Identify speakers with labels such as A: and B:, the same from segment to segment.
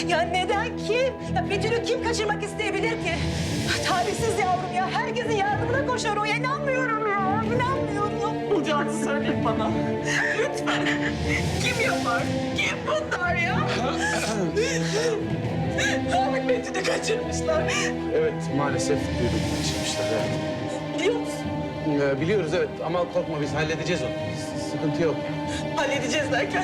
A: Ya neden kim? Ya Betül'ü kim kaçırmak isteyebilir ki? Talihsiz yavrum ya. Herkesin yardımına koşar o. İnanmıyorum ya. İnanmıyorum.
B: Bulacağını söyle bana. Lütfen. Kim yapar? Kim bunlar ya? Namık Betül'ü kaçırmışlar.
C: Evet, maalesef duyduk kaçırmışlar. Evet.
B: Biliyor musun?
C: Biliyoruz evet ama korkma biz halledeceğiz onu. Sıkıntı yok.
B: Halledeceğiz derken.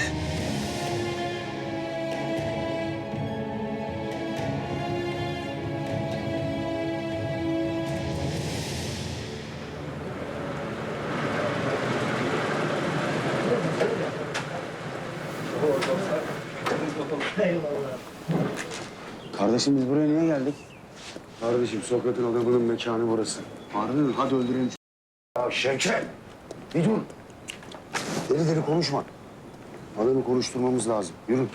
D: Kardeşim biz buraya niye geldik? Kardeşim Sokrat'ın adamının mekanı burası. Harun hadi öldürelim. Ya Şevket bir dur. Deli deli konuşma. Adamı konuşturmamız lazım. Yürü.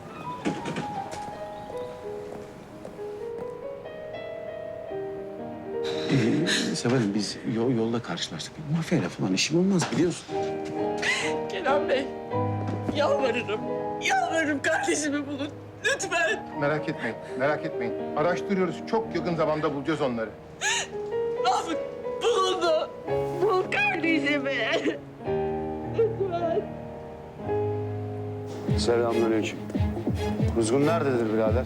C: Severim biz yolda karşılaştık. Mafyayla falan işim olmaz biliyorsun.
B: Kenan Bey, yalvarırım. Yalvarırım kardeşimi bulun. Lütfen.
E: Merak etmeyin, merak etmeyin. Araştırıyoruz. Çok yakın zamanda bulacağız onları.
B: Namık bulundu. Bul kardeşimi. Lütfen.
D: Selamünaleyküm. Kuzgun nerededir birader?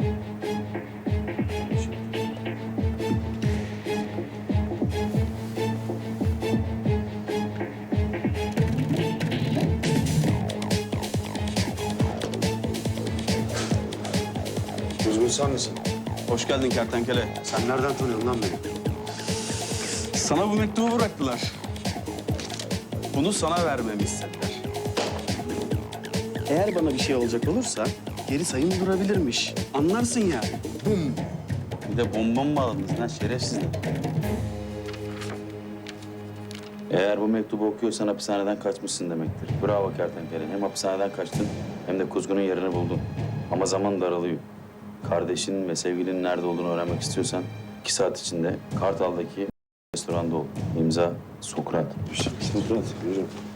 D: Kuzgun sen misin?
F: Hoş geldin kertenkele.
D: Sen nereden tanıyorsun lan beni?
F: Sana bu mektubu bıraktılar. Bunu sana vermemi istediler. Eğer bana bir şey olacak olursa geri sayım durabilirmiş. Anlarsın ya. Bum. Bir de bomba mı bağladınız lan şerefsizler? Eğer bu mektubu okuyorsan hapishaneden kaçmışsın demektir. Bravo kertenkele. Hem hapishaneden kaçtın hem de kuzgunun yerini buldun. Ama zaman daralıyor. Kardeşinin ve sevgilinin nerede olduğunu öğrenmek istiyorsan 2 saat içinde Kartal'daki restoranda ol. İmza Sokrat.
D: Sokrat, yürü.